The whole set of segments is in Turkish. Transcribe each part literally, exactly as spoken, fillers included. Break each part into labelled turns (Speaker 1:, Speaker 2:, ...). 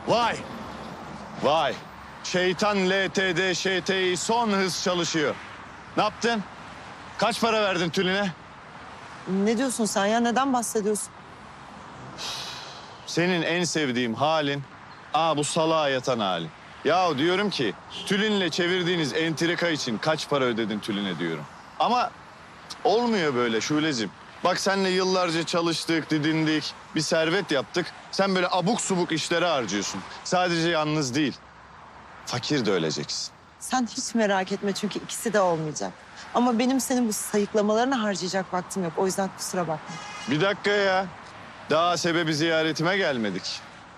Speaker 1: Vay! Vay! Şeytan L T D Ş T İ son hız çalışıyor. Ne yaptın? Kaç para verdin tüline?
Speaker 2: Ne diyorsun sen ya? Neden bahsediyorsun?
Speaker 1: Senin en sevdiğim halin, aa bu salağa yatan halin. Ya diyorum ki, tülinle çevirdiğiniz entrika için kaç para ödedin tüline diyorum. Ama olmuyor böyle Şule'cim. Bak seninle yıllarca çalıştık, didindik, bir servet yaptık. Sen böyle abuk subuk işlere harcıyorsun. Sadece yalnız değil, fakir de öleceksin.
Speaker 2: Sen hiç merak etme çünkü ikisi de olmayacak. Ama benim senin bu sayıklamalarını harcayacak vaktim yok. O yüzden kusura bakma.
Speaker 1: Bir dakika ya, daha sebebi ziyaretime gelmedik.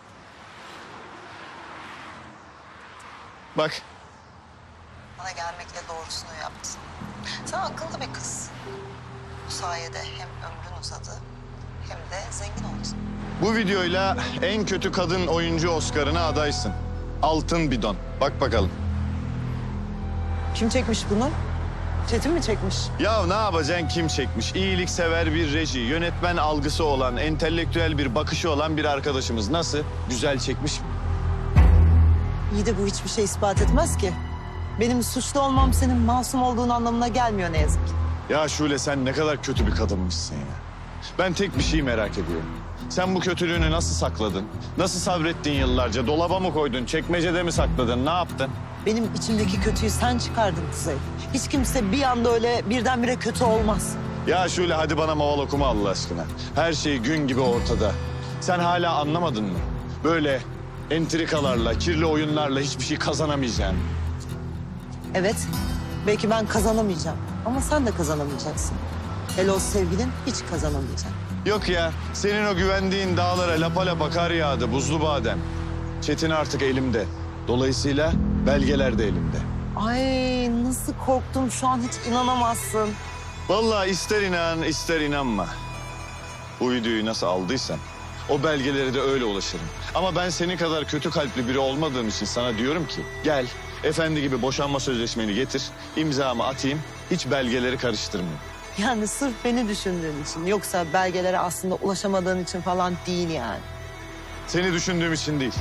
Speaker 1: Bak.
Speaker 2: Bana gelmekle doğrusunu yaptın. Sen akıllı bir kız. Bu sayede hem ömrün uzadı hem de zengin oldun.
Speaker 1: Bu videoyla en kötü kadın oyuncu Oscar'ına adaysın. Altın bidon. Bak bakalım.
Speaker 2: Kim çekmiş bunu? Çetin mi çekmiş?
Speaker 1: Ya ne yapacaksın, kim çekmiş? İyiliksever bir reji, yönetmen algısı olan, entelektüel bir bakışı olan bir arkadaşımız. Nasıl? Güzel çekmiş mi?
Speaker 2: İyi de bu hiçbir şey ispat etmez ki. Benim suçlu olmam senin masum olduğun anlamına gelmiyor ne yazık ki.
Speaker 1: Ya Şule, sen ne kadar kötü bir kadınmışsın ya. Ben tek bir şey merak ediyorum. Sen bu kötülüğünü nasıl sakladın? Nasıl sabrettin yıllarca? Dolaba mı koydun? Çekmecede mi sakladın? Ne yaptın?
Speaker 2: Benim içimdeki kötüyü sen çıkardın Kuzey. Hiç kimse bir anda öyle birdenbire kötü olmaz.
Speaker 1: Ya Şule, hadi bana maval okuma Allah aşkına. Her şey gün gibi ortada. Sen hala anlamadın mı? Böyle entrikalarla, kirli oyunlarla hiçbir şey kazanamayacaksın.
Speaker 2: Evet, belki ben kazanamayacağım ama sen de kazanamayacaksın. Hele o sevgilin hiç kazanamayacak.
Speaker 1: Yok ya, senin o güvendiğin dağlara lapa lapa kar yağdı, buzlu badem. Çetin artık elimde. Dolayısıyla belgeler de elimde.
Speaker 2: Ay nasıl korktum şu an hiç inanamazsın.
Speaker 1: Vallahi ister inan, ister inanma. Bu videoyu nasıl aldıysan o belgelere de öyle ulaşırım. Ama ben senin kadar kötü kalpli biri olmadığım için sana diyorum ki... gel, efendi gibi boşanma sözleşmeni getir, imzamı atayım, hiç belgeleri karıştırmayayım.
Speaker 2: Yani sırf beni düşündüğün için yoksa belgelere aslında ulaşamadığın için falan değil yani.
Speaker 1: Seni düşündüğüm için değil.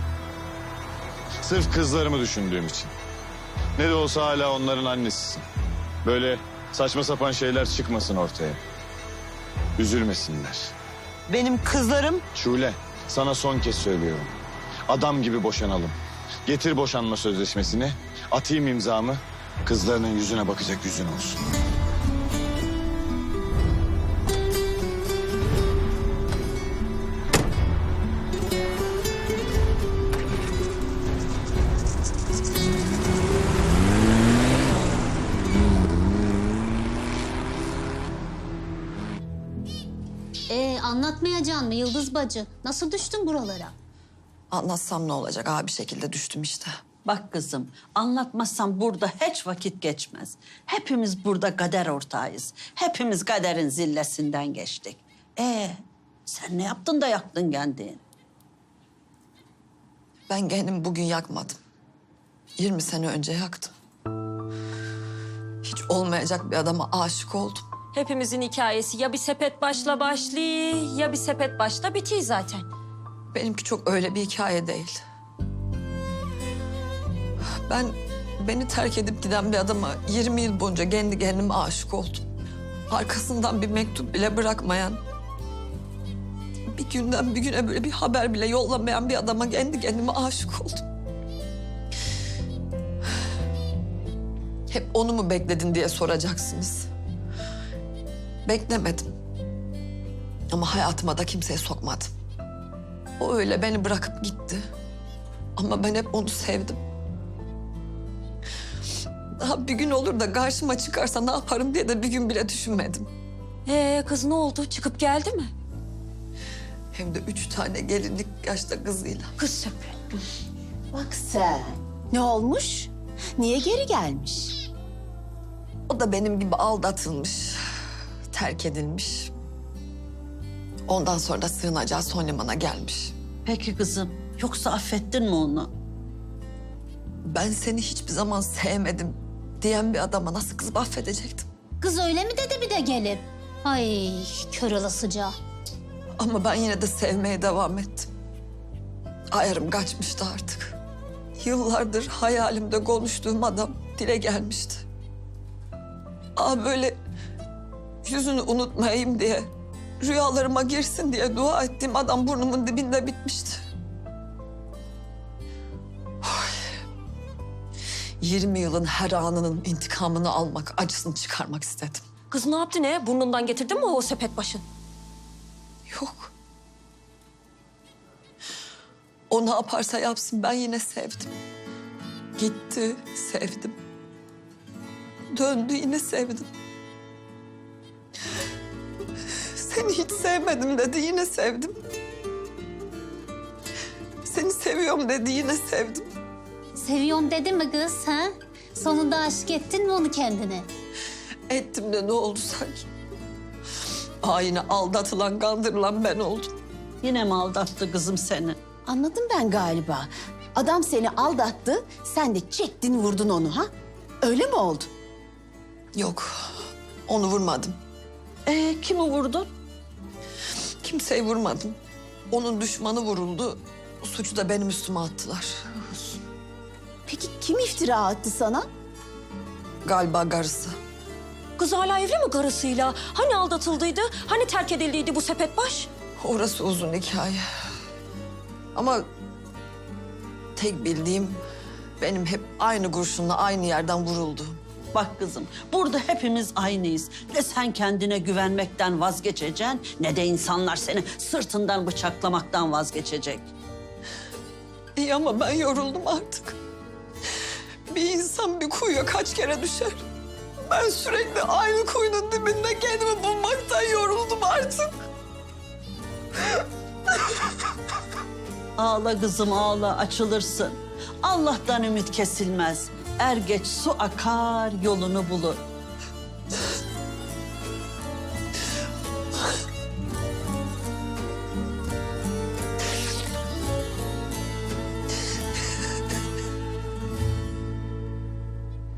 Speaker 1: Sırf kızlarımı düşündüğüm için. Ne de olsa hala onların annesisin. Böyle saçma sapan şeyler çıkmasın ortaya. Üzülmesinler.
Speaker 2: Benim kızlarım
Speaker 1: Şule, sana son kez söylüyorum. Adam gibi boşanalım. Getir boşanma sözleşmesini, atayım imzamı. Kızlarının yüzüne bakacak yüzün olsun.
Speaker 3: Ee, anlatmayacaksın mı Yıldız bacı? Nasıl düştün buralara?
Speaker 4: Anlatsam ne olacak? Abi bir şekilde düştüm işte.
Speaker 5: Bak kızım, anlatmazsam burada hiç vakit geçmez. Hepimiz burada kader ortağıyız. Hepimiz kaderin zillesinden geçtik. Ee, sen ne yaptın da yaktın kendini?
Speaker 4: Ben kendimi bugün yakmadım. yirmi sene önce yaktım. Hiç olmayacak bir adama aşık oldum.
Speaker 6: Hepimizin hikayesi ya bir sepet başla başlıyor ya bir sepet başla bitiyor zaten.
Speaker 4: Benimki çok öyle bir hikaye değil. Ben beni terk edip giden bir adama yirmi yıl boyunca kendi kendime aşık oldum. Arkasından bir mektup bile bırakmayan, bir günden bir güne böyle bir haber bile yollamayan bir adama kendi kendime aşık oldum. Hep onu mu bekledin diye soracaksınız. Beklemedim. Ama hayatıma da kimseye sokmadım. O öyle beni bırakıp gitti. Ama ben hep onu sevdim. Daha bir gün olur da karşıma çıkarsa ne yaparım diye de bir gün bile düşünmedim.
Speaker 6: Ee kız ne oldu? Çıkıp geldi mi?
Speaker 4: Hem de üç tane gelinlik yaşta kızıyla.
Speaker 6: Kız sepet.
Speaker 3: Bak sen. Ne olmuş? Niye geri gelmiş?
Speaker 4: O da benim gibi aldatılmış, terk edilmiş. Ondan sonra da sığınacağı son limana gelmiş.
Speaker 5: Peki kızım, yoksa affettin mi onu?
Speaker 4: Ben seni hiçbir zaman sevmedim diyen bir adama nasıl kızıp affedecektim?
Speaker 3: Kız öyle mi dedi bir de gelip? Ay kör olasıca.
Speaker 4: Ama ben yine de sevmeye devam ettim. ayarım kaçmıştı artık. Yıllardır hayalimde konuştuğum adam dile gelmişti. Aa böyle yüzünü unutmayayım diye, rüyalarıma girsin diye dua ettiğim adam burnumun dibinde bitmişti. Oy. yirmi yılın her anının intikamını almak, acısını çıkarmak istedim.
Speaker 6: Kız ne yaptı ne? Burnundan getirdin mi o sepet başın?
Speaker 4: Yok. O ne yaparsa yapsın ben yine sevdim. Gitti, sevdim. Döndü, yine sevdim. Seni hiç sevmedim dedi, yine sevdim. Seni seviyorum dedi, yine sevdim.
Speaker 7: Seviyorum dedi mi kız ha? Sonunda aşık ettin mi onu kendine?
Speaker 4: Ettim de ne oldu sanki? Aa, yine aldatılan, kandırılan ben oldum.
Speaker 5: Yine mi aldattı kızım seni?
Speaker 3: Anladım ben galiba. Adam seni aldattı, sen de çektin vurdun onu ha? Öyle mi oldu?
Speaker 4: Yok, onu vurmadım.
Speaker 5: Ee, kimi vurdun?
Speaker 4: Kimseyi vurmadım. Onun düşmanı vuruldu. Suçu da benim üstüme attılar.
Speaker 3: Peki kim iftira attı sana?
Speaker 4: Galiba karısı.
Speaker 6: Kız hala evli mi karısıyla? Hani aldatıldıydı? Hani terk edildiydi bu sepet baş?
Speaker 4: Orası uzun hikaye. Ama tek bildiğim benim hep aynı kurşunla aynı yerden vuruldu.
Speaker 5: Bak kızım, burada hepimiz aynıyız. Ne sen kendine güvenmekten vazgeçeceksin, ne de insanlar seni sırtından bıçaklamaktan vazgeçecek.
Speaker 4: İyi ama ben yoruldum artık. Bir insan bir kuyuya kaç kere düşer? Ben sürekli aynı kuyunun dibinde kendimi bulmaktan yoruldum artık.
Speaker 5: Ağla kızım ağla, açılırsın. Allah'tan ümit kesilmez. Er geç su akar, yolunu bulur.